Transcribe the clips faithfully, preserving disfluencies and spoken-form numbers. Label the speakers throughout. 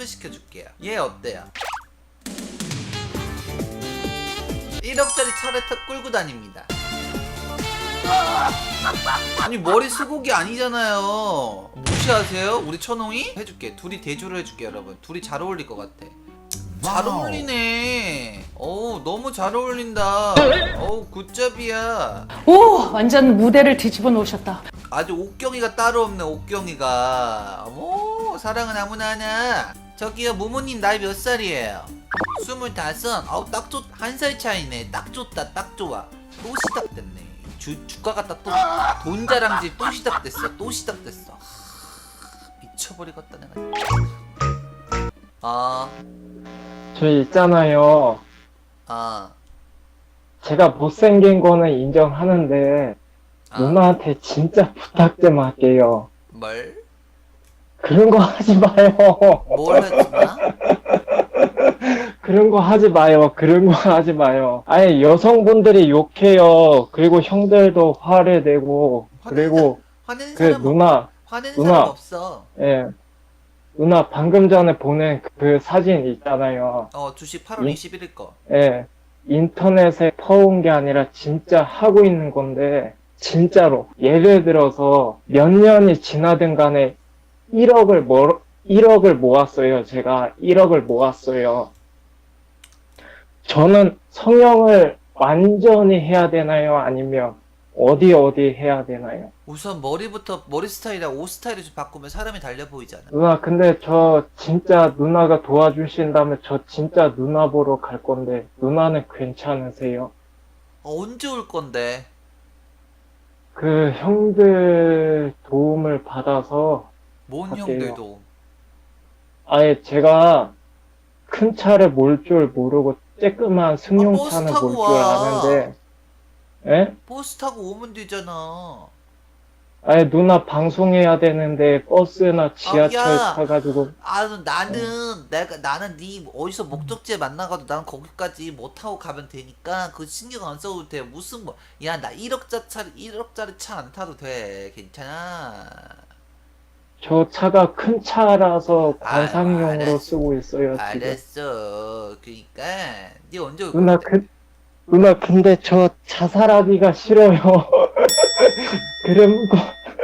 Speaker 1: 소개시켜줄게요. 얘 어때요? 일억짜리 차를 타 끌고 다닙니다. 아니 머리 수국이 아니잖아요. 무시하세요? 우리 천홍이? 해줄게. 둘이 대조를 해줄게 여러분. 둘이 잘 어울릴 것 같아. 잘 어울리네. 어우 너무 잘 어울린다. 어우 굿잡이야.
Speaker 2: 오, 완전 무대를 뒤집어 놓으셨다.
Speaker 1: 아주 옥경이가 따로 없네. 옥경이가. 어머 사랑은 아무나 하나. 저기요 모모님 나이 몇 살이에요? 스물다섯. 아우 딱 좋. 한 살 차이네. 딱 좋다. 딱 좋아. 또 시작됐네. 주, 주가가 딱 또 돈 자랑질 또 시작됐어. 또 시작됐어. 하, 미쳐버리겠다 내가. 아,
Speaker 3: 저 있잖아요.
Speaker 1: 아,
Speaker 3: 제가 못생긴 거는 인정하는데
Speaker 1: 아.
Speaker 3: 누나한테 진짜 부탁 좀 할게요.
Speaker 1: 뭘?
Speaker 3: 그런 거 하지 마요.
Speaker 1: 뭘 했구나?
Speaker 3: 그런 거 하지 마요. 그런 거 하지 마요. 아예 여성분들이 욕해요. 그리고 형들도 화를 내고 그리고
Speaker 1: 화내는
Speaker 3: 그
Speaker 1: 사람
Speaker 3: 누나
Speaker 1: 없, 화내는
Speaker 3: 누나.
Speaker 1: 사람 없어.
Speaker 3: 예 누나 방금 전에 보낸 그 사진 있잖아요.
Speaker 1: 어 주식 팔월
Speaker 3: 예?
Speaker 1: 이십일일 거.
Speaker 3: 예 인터넷에 퍼온 게 아니라 진짜 하고 있는 건데 진짜로 예를 들어서 몇 년이 지나든 간에 일억을 모 일억을 모았어요. 제가 일억을 모았어요. 저는 성형을 완전히 해야 되나요? 아니면 어디 어디 해야 되나요?
Speaker 1: 우선 머리부터 머리 스타일이랑 옷 스타일을 좀 바꾸면 사람이 달려 보이잖아.
Speaker 3: 누나 근데 저 진짜 누나가 도와주신다면 저 진짜 누나 보러 갈 건데 누나는 괜찮으세요?
Speaker 1: 어, 언제 올 건데?
Speaker 3: 그 형들 도움을 받아서
Speaker 1: 뭔
Speaker 3: 갈게요.
Speaker 1: 형들도.
Speaker 3: 아예 제가 큰 차를 몰 줄 모르고 쬐끄만
Speaker 1: 아, 버스
Speaker 3: 승용차는
Speaker 1: 타고
Speaker 3: 몰 줄
Speaker 1: 와.
Speaker 3: 아는데 예?
Speaker 1: 버스 타고 오면 되잖아.
Speaker 3: 아예 누나 방송해야 되는데 버스나 지하철
Speaker 1: 야.
Speaker 3: 타가지고
Speaker 1: 아 나는 내가 나는 네 어디서 목적지에 만나가도 나는 거기까지 못 타고 가면 되니까 그 신경 안 써도 돼. 무슨 뭐 야 나 일억짜리 일억짜리 차 안 타도 돼. 괜찮아.
Speaker 3: 저 차가 큰 차라서
Speaker 1: 아유,
Speaker 3: 관상용으로
Speaker 1: 알았어.
Speaker 3: 쓰고 있어요 지금.
Speaker 1: 알았어. 그니까 네 언제 올
Speaker 3: 누나
Speaker 1: 건데?
Speaker 3: 그 누나 근데 저 자살하기가 싫어요. 그런 거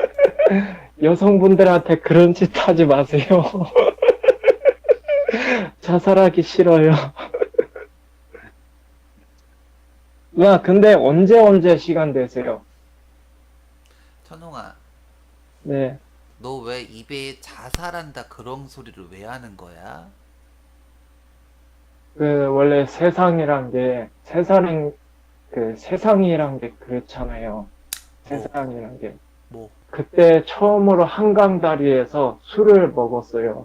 Speaker 3: 여성분들한테 그런 짓 하지 마세요. 자살하기 싫어요. 누나 근데 언제 언제 시간 되세요?
Speaker 1: 천홍아,
Speaker 3: 네.
Speaker 1: 너 왜 입에 자살한다 그런 소리를 왜 하는 거야?
Speaker 3: 그 원래 세상이란 게 세상은 그 세상이란 게 그렇잖아요. 세상이란 게
Speaker 1: 뭐?
Speaker 3: 그때 처음으로 한강 다리에서 술을 먹었어요.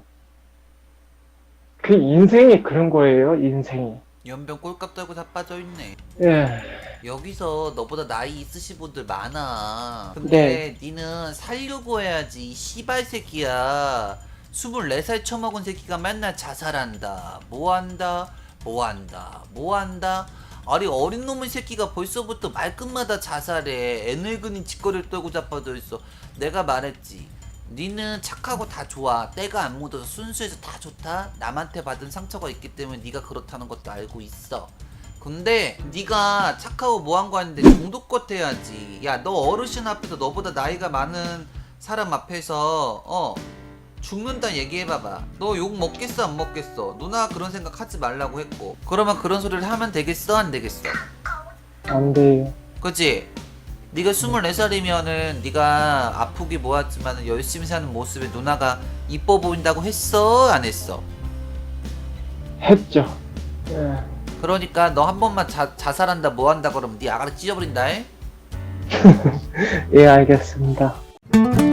Speaker 3: 그 인생이 그런 거예요. 인생이.
Speaker 1: 연병 꼴값 달고 다 빠져있네.
Speaker 3: 예.
Speaker 1: 여기서 너보다 나이 있으신 분들 많아. 근데 니는 살려고 해야지. 이 씨발 새끼야. 스물네 살 처먹은 새끼가 맨날 자살한다. 뭐한다. 뭐한다. 뭐한다. 아니 어린 놈의 새끼가 벌써부터 말끝마다 자살해. 애늙은이 짓거리를 떨고 자빠져 있어. 내가 말했지. 니는 착하고 다 좋아. 때가 안 묻어서 순수해서 다 좋다. 남한테 받은 상처가 있기 때문에 니가 그렇다는 것도 알고 있어. 근데 니가 착하고 뭐한 거 아닌데 중독껏 해야지. 야 너 어르신 앞에서 너보다 나이가 많은 사람 앞에서 어 죽는다 얘기해봐봐. 너 욕 먹겠어 안 먹겠어? 누나 그런 생각 하지 말라고 했고. 그러면 그런 소리를 하면 되겠어 안 되겠어?
Speaker 3: 안 돼요.
Speaker 1: 그치? 네가 스물네 살이면은 네가 아프기 뭐하지만 열심히 사는 모습에 누나가 이뻐 보인다고 했어 안 했어?
Speaker 3: 했죠. 예.
Speaker 1: 그러니까 너 한 번만 자, 자살한다 뭐한다 그러면 네 아가리 찢어버린다 해?
Speaker 3: 예, 알겠습니다.